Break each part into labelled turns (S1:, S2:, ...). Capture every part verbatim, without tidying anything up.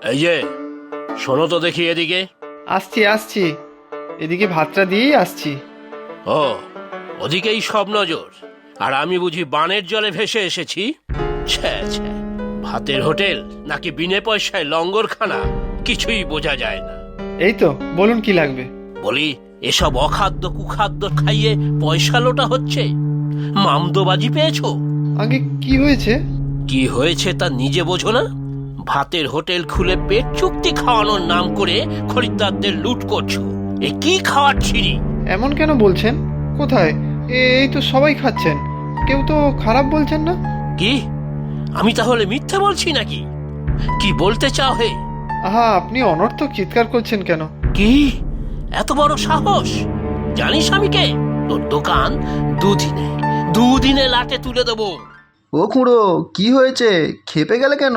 S1: এই যে শোনো তো দেখি এদিকে।
S2: আসছি আসছি, এদিকে ভাতটা দিয়েই আসছি।
S1: ও, ওদিকেই সব নজর, আর আমি বুঝি বানের জলে ভেসে এসেছি। ছ্যা ছ্যা, ভাতের হোটেল নাকি বিনে পয়সায় লঙ্গরখানা, কিছুই বোঝা যায় না।
S2: এই তো বলুন কি লাগবে।
S1: বলি, এসব অখাদ্য কুখাদ্য খাইয়ে পয়সা লোটা হচ্ছে, মামদোবাজি পেয়েছো?
S2: আগে কি হয়েছে?
S1: কি হয়েছে তা নিজে বোঝো না? ভাতের হোটেল খুলে পেট চুক্তি খাওয়ানোর নাম করে খরিদ্দারদের লুট করছো। এ কি খাওয়ার ছিরি?
S2: এমন কেন বলছেন? কোথায়? এ- এই তো সবাই খাচ্ছেন, কেউ তো খারাপ বলছেন না।
S1: কি, আমি তাহলে মিথ্যে বলছি নাকি? কি বলতে চাও হে?
S2: আহা, আপনি অনর্থক চিৎকার করছেন কেন?
S1: কি এত বড় সাহস? জানিস আমি কে? তোর দোকান দুদিনে দুদিনে লাটে তুলে দেবো।
S3: ও খুড়ো, কি হয়েছে? খেপে গেলে কেন?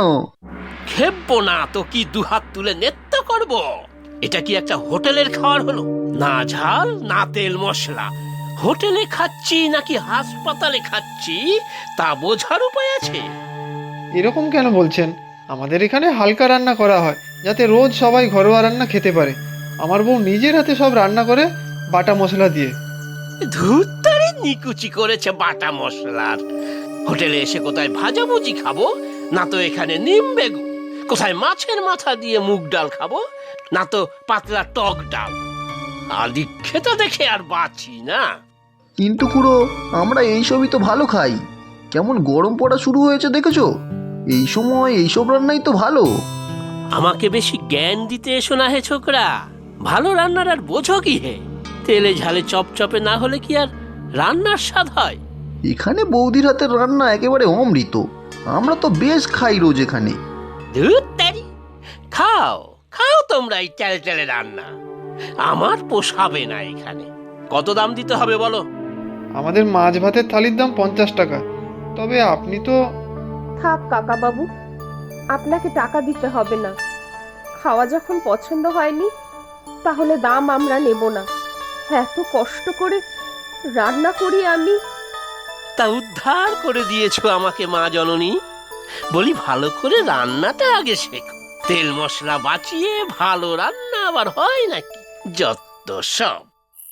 S1: খেপবো না তো কি, দুহাত তুলে নেত্য করব? এটা কি একটা হোটেলের খাবার হলো? না ঝাল না তেল মশলা। হোটেলে খাচ্ছি নাকি হাসপাতালে খাচ্ছি তা বোঝার উপায় আছে?
S2: এরকম কেন বলছেন? আমাদের এখানে হালকা রান্না করা হয়, যাতে রোজ সবাই ঘরোয়া রান্না খেতে পারে। আমার বউ নিজের হাতে সব রান্না করে, বাটা মশলা দিয়ে।
S1: ধুত্তারি নিকুচি করেছে বাটা মশলার। হোটেলে এসে কোথায় ভাজাভুজি খাবো, না তো এখানে নিম বেগুন। কোথায় মাছের মাথা দিয়ে মুগ ডাল খাবো, না তো পাতলা টক ডাল। আদি খেতে দেখে আর বাঁচি না।
S3: কিন্তু খুড়ো, আমরা এইসবই তো ভালো খাই। কেমন গরম পড়া শুরু হয়েছে দেখেছো? এই সময় এইসব রান্নাই তো ভালো।
S1: আমাকে বেশি জ্ঞান দিতে এসো না হে ছোকরা। ভালো রান্নার আর বোঝো কি হে? তেলে ঝালে চপচপে না হলে কি আর রান্নার স্বাদ হয়?
S3: এখানে বৌদির হাতের রান্না একেবারে অমৃত। আমরা তো বেশ খাই রোজ এখানে।
S1: ধুত্তারি, খাও খাও তোমরা এই তেল তেলে রান্না। আমার পোষাবে না এখানে। কত দাম দিতে হবে বলো?
S2: আমাদের মাছ ভাতের থালির দাম পঞ্চাশ টাকা। তবে আপনি তো...
S4: থাক কাকা বাবু, আপনাকে টাকা দিতে হবে না। খাওয়া যখন পছন্দ হয়নি, তাহলে দাম আমরা নেব না। এত কষ্ট করে রান্না করি আমি।
S1: তা উদ্ধার করে দিয়েছো আমাকে মা জননী। বলি, ভালো করে রান্নাটা আগে শেখো। তেল মশলা বাঁচিয়ে ভালো রান্না আবার হয় নাকি? যত সব।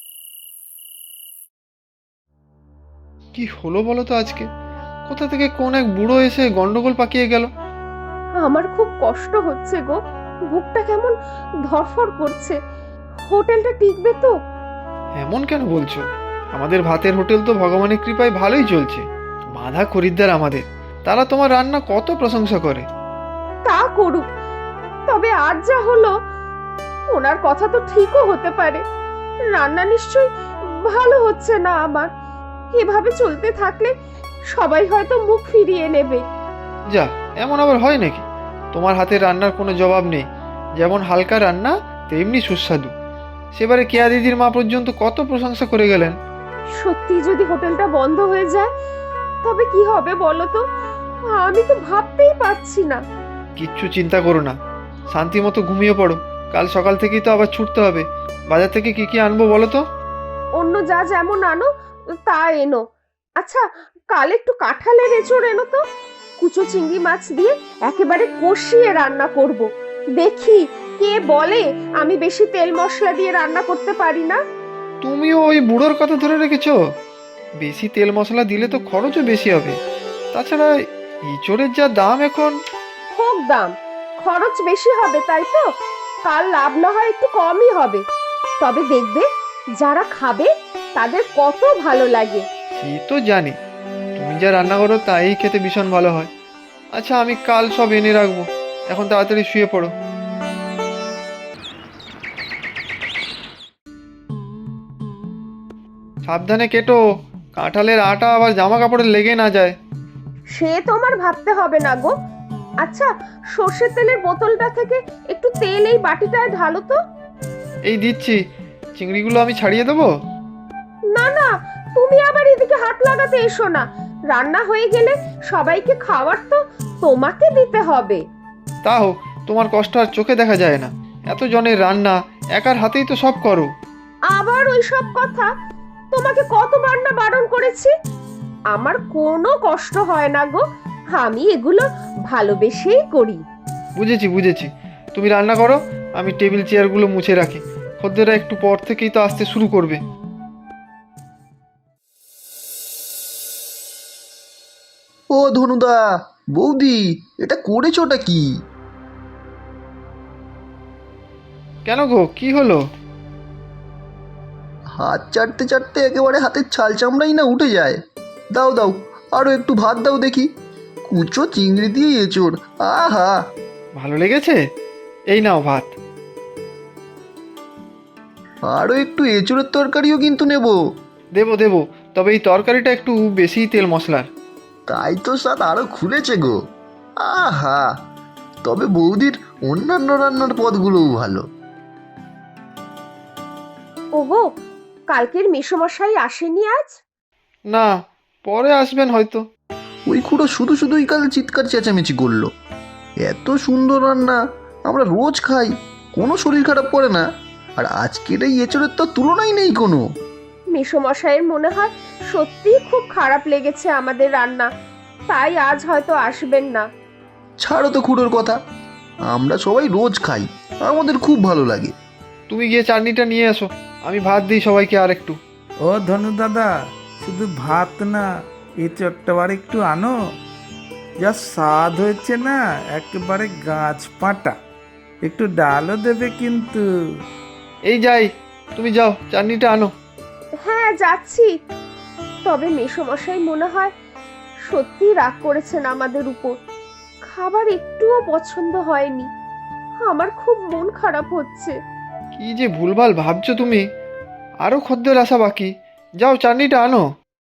S2: কি হলো বলো তো আজকে? কোথা থেকে কোন এক বুড়ো এসে গন্ডগোল পাকিয়ে গেল।
S4: আমার খুব কষ্ট হচ্ছে গো, বুকটা কেমন ধরফর করছে। হোটেলটা টিকবে তো?
S2: এমন কেন বলছো? আমাদের ভাতের হোটেল তো ভগবানের কৃপায় ভালোই চলছে। বাঁধা খরিদ্দার আমাদের, তারা তোমার রান্না কত প্রশংসা করে।
S4: তা করুক, তবে আজ যা হলো, ওনার কথা তো ঠিকও হতে পারে। রান্না নিশ্চয়ই ভালো হচ্ছে না আমার। এভাবে চলতে থাকলে সবাই হয়তো মুখ ফিরিয়ে নেবে।
S2: যা, এমন আবার হয় নাকি? তোমার হাতের রান্নার কোনো জবাব নেই। যেমন হালকা রান্না, তেমনি সুস্বাদু। সেবারে কেয়া দিদির মা পর্যন্ত কত প্রশংসা করে গেলেন।
S4: সত্যি যদি হোটেলটা বন্ধ হয়ে যায়, তবে কি হবে বলো তো? আমি তো ভাবতেই পারছি না।
S2: কিচ্ছু চিন্তা করো না, শান্তি মতো ঘুমিয়ে পড়ো। কাল সকাল থেকেই তো আবার ছুটতে হবে। বাজার থেকে কি কি আনবো বলো তো?
S4: অন্য যা যেমন আনো তা এনো। আচ্ছা, কাল একটু কাঁঠালের এঁচড় এনো তো। কুচো চিংড়ি মাছ দিয়ে একেবারে কষিয়ে রান্না করব। দেখি কে বলে আমি বেশি তেল মশলা দিয়ে রান্না করতে পারি না।
S2: তুমিও ওই বুড়োর কথা ধরে রেখেছো? বেশি তেল মশলা দিলে তো খরচও বেশি হবে। তাছাড়া ইঁচড়ের যা দাম এখন।
S4: হোক দাম, খরচ বেশি হবে তাই তো? কাল লাভ না হয় একটু কমই হবে। তবে দেখবে যারা খাবে তাদের কত ভালো লাগে।
S2: সে তো জানি, তুমি যা রান্না করো তাই খেতে ভীষণ ভালো হয়। আচ্ছা, আমি কাল সব এনে রাখবো। এখন তাড়াতাড়ি শুয়ে পড়ো। সাবধানে কেটো, কাঁঠালের আটা আবার জামা কাপড়ে লেগে না যায়।
S4: সে তোমার ভাবতে হবে না গো। আচ্ছা, সর্ষের তেলের বোতলটা থেকে একটু তেল এই বাটিটায় ঢালো তো।
S2: এই দিচ্ছি। চিংড়িগুলো আমি ছাড়িয়ে দেবো?
S4: না না, তুমি আবার এদিকে হাত লাগাতে এসো না। রান্না হয়ে গেলে সবাইকে খাওয়ার তো তোমাকে দিতে হবে।
S2: তা হোক, তোমার কষ্ট আর চোখে দেখা যায় না। এত জনের রান্না, একার হাতেই তো সব করো।
S4: আবার ওই সব কথা? তোমাকে কতবার না বারণ করেছি। আমার কোনো কষ্ট হয় না গো, আমি এগুলো ভালোবেসেই করি।
S2: বুঝেছি বুঝেছি, তুমি রান্না করো, আমি টেবিল চেয়ারগুলো মুছে রাখি। খদ্দেররা একটু পর থেকেই তো আসতে শুরু করবে।
S3: ও ধনুদা, বৌদি, এটা করেছোটা কি?
S2: কেন গো, কি হলো?
S3: হাত চাটতে চাটতে একেবারে হাতের ছাল চামড়াই না উঠে যায়। দাও দাও, আরও একটু ভাত দাও দেখি। কুচো চিংড়ি দিয়ে এঁচোড়, আহা!
S2: ভালো লেগেছে? এই নাও ভাত।
S3: আরও একটু এঁচোড়ের তরকারিও কিন্তু নেব।
S2: দেবো দেবো, তবে এই তরকারিটা একটু বেশি তেল মশলার।
S3: তাই তো স্বাদ আরও খুলেছে গো। আহা! তবে বৌদির অন্যান্য রান্নার পদগুলোও ভালো।
S4: ওগো, কালকের মেসোমশাই আসেনি আজ?
S2: না, পরে আসবেন হয়তো।
S3: ওই খুঁড়ো শুধু শুধুই কাল চিৎকার চেঁচামেচি করলো। এত সুন্দর রান্না আমরা রোজ খাই, কোনো শরীর খারাপ করে না, আর আজকের এই এঁচোড়ের তো তুলনাই নেই কোনো।
S4: মেসোমশাইয়ের মনে হয় সত্যিই খুব খারাপ লেগেছে আমাদের রান্না, তাই আজ হয়তো আসবেন না।
S3: ছাড়ো তো খুঁড়োর কথা, আমরা সবাই রোজ খাই, আমাদের খুব ভালো লাগে।
S2: তুমি গিয়ে চাটনিটা নিয়ে এসো, আমি ভাত দিই সবাইকে আর একটু।
S5: ও ধনু দাদা, শুধু ভাত না, এই চট্টবার একটু আনো। যা স্বাদ হয়েছে না, একেবারে গাছ পাটা। একটু ডালও দেবে কিন্তু।
S2: এই যাই, তুমি যাও চাটনিটা আনো।
S4: হ্যাঁ, যাচ্ছি। তবে মেসোমশাই মনে হয় সত্যি রাগ করেছেন আমাদের উপর। খাবার একটুও পছন্দ হয়নি। আমার খুব মন খারাপ হচ্ছে।
S2: কি যে ভুলভাল ভাবছো তুমি, আরো খদ্দের আসা বাকি। যাও চাটনিটা আনো।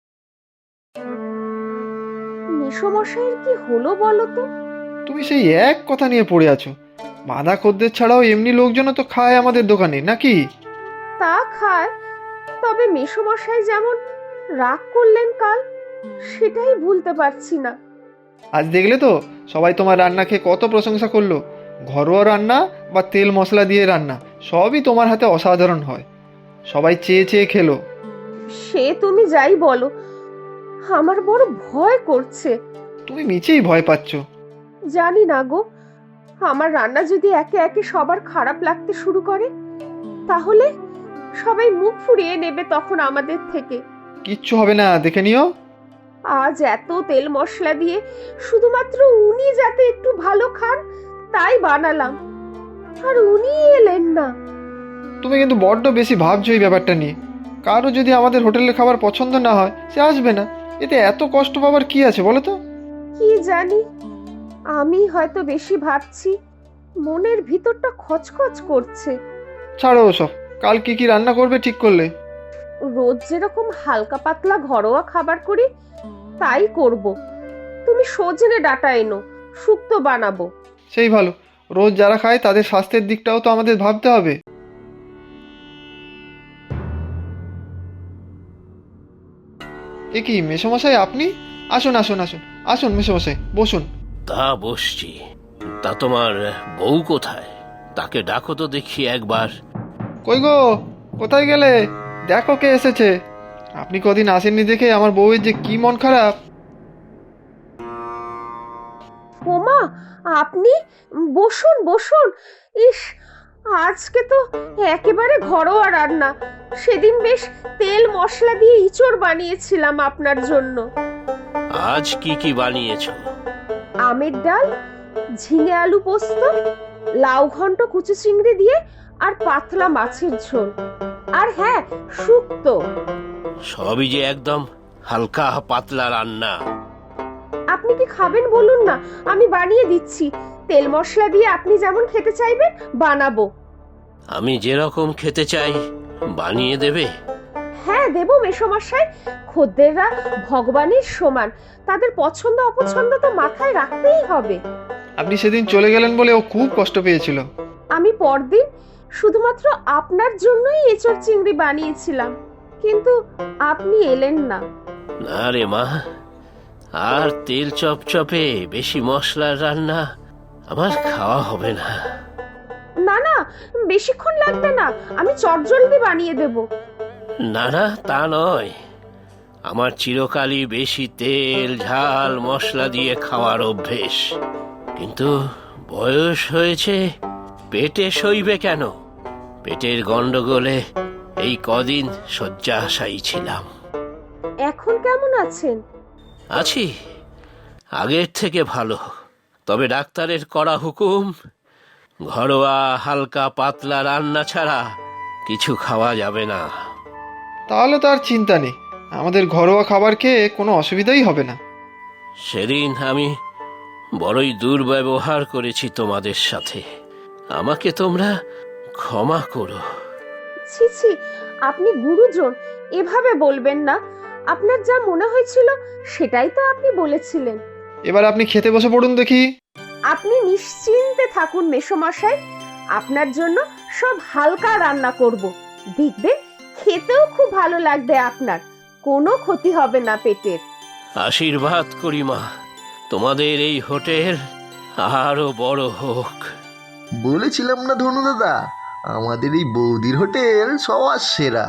S4: মেসোমশাইয়ের কি হলো বলো তো?
S2: তুমি সেই এক কথা নিয়ে পড়ে আছো। বাঁধা খদ্দের ছাড়াও এমনি লোকজনও তো খায় আমাদের দোকানে, নাকি?
S4: তা খায়, তবে মেসোমশাই যেমন রাগ করলেন কাল, সেটাই ভুলতে পারছি না।
S2: আজ দেখলে তো সবাই তোমার রান্না খেয়ে কত প্রশংসা করলো। ঘরোয়া রান্না বা তেল মশলা দিয়ে রান্না সবই তোমার হাতে অসাধারণ হয়। সবাই চেয়ে চেয়ে খেলো।
S4: সে তুমি যাই বলো, আমার বড় ভয় করছে।
S2: তুমি মিছেই ভয় পাচ্ছ।
S4: জানি না গো, আমার রান্না যদি একে একে সবার খারাপ লাগতে শুরু করে, তাহলে সবাই মুখ ফুরিয়ে নেবে তখন আমাদের থেকে।
S2: কিচ্ছু হবে না, দেখে নিও।
S4: আজ এত তেল মশলা দিয়ে শুধুমাত্র উনি যাতে একটু ভালো খান তাই বানালাম, আর উনি এলেন না।
S2: তুমি কিন্তু বড্ড বেশি ভাবছো এই ব্যাপারটা নিয়ে। কারো যদি আমাদের হোটেলের খাবার পছন্দ না হয়, সে আসবে না। এতে এত কষ্ট পাবার কি আছে বলো তো?
S4: কি জানি, আমি হয়তো বেশি ভাবছি, মনের ভিতরটা খচখচ করছে।
S2: ছাড়ো ওসব, কাল কি কি রান্না করবে ঠিক করলে?
S4: রোজ যেরকম হালকা পাতলা ঘরোয়া খাবার করি তাই করব। তুমি সজনে ডাঁটা এনো, শুক্তো বানাবো।
S2: সেই ভালো, রোজ যারা খায় তাদের স্বাস্থ্যের দিকটাও তো আমাদের ভাবতে হবে। এ কি মেসোমশাই, আপনি? আসুন আসুন আসুন আসুন মেসোমশাই, বসুন।
S1: তা বসছি। তা তোমার বউ কোথায়? তাকে ডাকো তো দেখি একবার।
S2: কই গো, কোথায় গেলে? দেখো কে এসেছে। আপনি কদিন আসেননি দেখে আমার বউয়ের যে কি মন খারাপ।
S4: ওমা, আপনি? বসুন বসুন। ইস, আজকে তো একেবারে ঘরোয়া রান্না। সেদিন বেশ তেল মশলা দিয়ে ইঁচড় বানিয়েছিলাম আপনার জন্য।
S1: আজ কি কি বানিয়েছো?
S4: আমের ডাল, ঝিঙে আলু পোস্ত, লাউ ঘন্ট কুচু চিংড়ি দিয়ে, আর পাতলা মাছের ঝোল, আর হ্যাঁ, শুক্তো।
S1: সবই যে একদম হালকা পাতলা রান্না।
S4: আপনি কি খাবেন বলুন না, আমি বানিয়ে দিচ্ছি। তেল মশলা দিয়ে আপনি যেমন খেতে চাইবেন বানাবো।
S1: আমি যেরকম খেতে চাই বানিয়ে দেবে?
S4: হ্যাঁ, দেবো মেসোমশাই। খদ্দেররা ভগবানের সমান, তাদের পছন্দ অপছন্দ তো মাথায় রাখতেই হবে।
S2: আপনি সেদিন চলে গেলেন বলে ও খুব কষ্ট পেয়েছিল।
S4: আমি পরদিন শুধুমাত্র আপনার জন্যই এঁচড় চিংড়ি বানিয়েছিলাম, কিন্তু আপনি এলেন না।
S1: না রে মা, আর তেল চপচপে বেশি মশলার রান্না আমার খাওয়া হবে না।
S4: না না, বেশিক্ষণ লাগবে না, আমি চটজলদি বানিয়ে দেব।
S1: না না, তা নয়। আমার চিরকালই বেশি তেল ঝাল মশলা দিয়ে খাওয়ার অভ্যেস, কিন্তু বয়স হয়েছে, পেটে সইবে কেন? পেটের গন্ডগোলে এই কদিন শয্যাশায়ী ছিলাম।
S4: এখন কেমন আছেন?
S1: আছি আগের থেকে ভালো, তবে ডাক্তারের কড়া হুকুম, ঘরোয়া হালকা পাতলা রান্না ছাড়া কিছু খাওয়া যাবে না।
S2: তাহলে তো আর চিন্তা নেই, আমাদের ঘরোয়া খাবার খেয়ে কোনো অসুবিধাই হবে না।
S1: সেদিন আমি বড়ই দুর্ব্যবহার করেছি তোমাদের সাথে, আমাকে তোমরা ক্ষমা করো।
S4: ছি ছি, আপনি গুরুজন, এভাবে বলবেন না। আপনার যা মনে হয়েছিল সেটাই তো আপনি বলেছিলেন।
S2: এবার আপনি খেতে বসে পড়ুন দেখি।
S4: আপনি নিশ্চিন্তে থাকুন মেসোমশাই, আপনার জন্য সব হালকা রান্না করব। দেখবেন খেতেও খুব ভালো লাগবে আপনার, কোনো ক্ষতি হবে না পেটের।
S1: আশীর্বাদ করি মা, তোমাদের এই হোটেল আরো বড় হোক।
S3: বলেছিলাম না ধনু দাদা, আমাদের এই বৌদির হোটেল সবার সেরা।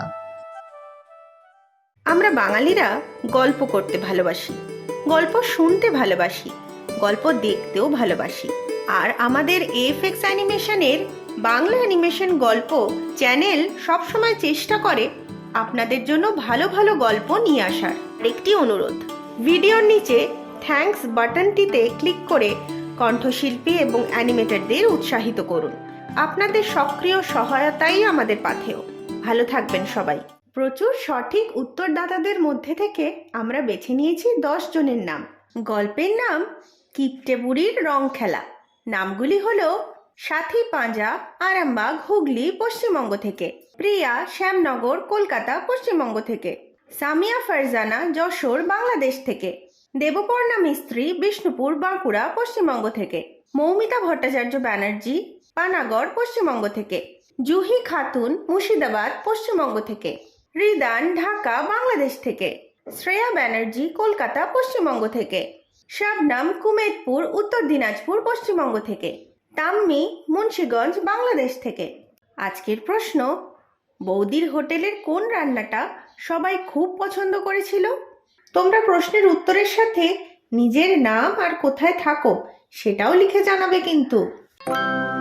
S6: আমরা বাঙালিরা গল্প করতে ভালোবাসি, গল্প শুনতে ভালোবাসি, গল্প দেখতেও ভালোবাসি। আর আমাদের এফএক্স অ্যানিমেশনের বাংলা অ্যানিমেশন গল্প চ্যানেল সবসময় চেষ্টা করে আপনাদের জন্য ভালো ভালো গল্প নিয়ে আসার। একটি অনুরোধ, ভিডিওর নিচে থ্যাঙ্কস বাটনটিতে ক্লিক করে কণ্ঠশিল্পী এবং অ্যানিমেটরদের উৎসাহিত করুন। আপনাদের সক্রিয় সহায়তাই আমাদের পাথেয়। ভালো থাকবেন সবাই। প্রচুর সঠিক উত্তরদাতাদের মধ্যে থেকে আমরা বেছে নিয়েছি দশ জনের নাম। গল্পের নাম কিপ্টে বুড়ির রং খেলা। নামগুলি হলো সাথী পাঁজা, আরামবাগ, হুগলি, পশ্চিমবঙ্গ থেকে; প্রিয়া, শ্যামনগর, কলকাতা, পশ্চিমবঙ্গ থেকে; সামিয়া ফারজানা, যশোর, বাংলাদেশ থেকে; দেবপর্ণা মিস্ত্রি, বিষ্ণুপুর, বাঁকুড়া, পশ্চিমবঙ্গ থেকে; মৌমিতা ভট্টাচার্য ব্যানার্জি, পানাগড়, পশ্চিমবঙ্গ থেকে; জুহি খাতুন, মুর্শিদাবাদ, পশ্চিমবঙ্গ থেকে; রিদান, ঢাকা, বাংলাদেশ থেকে; শ্রেয়া ব্যানার্জি, কলকাতা, পশ্চিমবঙ্গ থেকে; শাবনাম, কুমেদপুর, উত্তর দিনাজপুর, পশ্চিমবঙ্গ থেকে; তাম্মি, মুন্সিগঞ্জ, বাংলাদেশ থেকে। আজকের প্রশ্ন, বৌদির হোটেলের কোন রান্নাটা সবাই খুব পছন্দ করেছিল? তোমরা প্রশ্নের উত্তরের সাথে নিজের নাম আর কোথায় থাকো সেটাও লিখে জানাবে কিন্তু।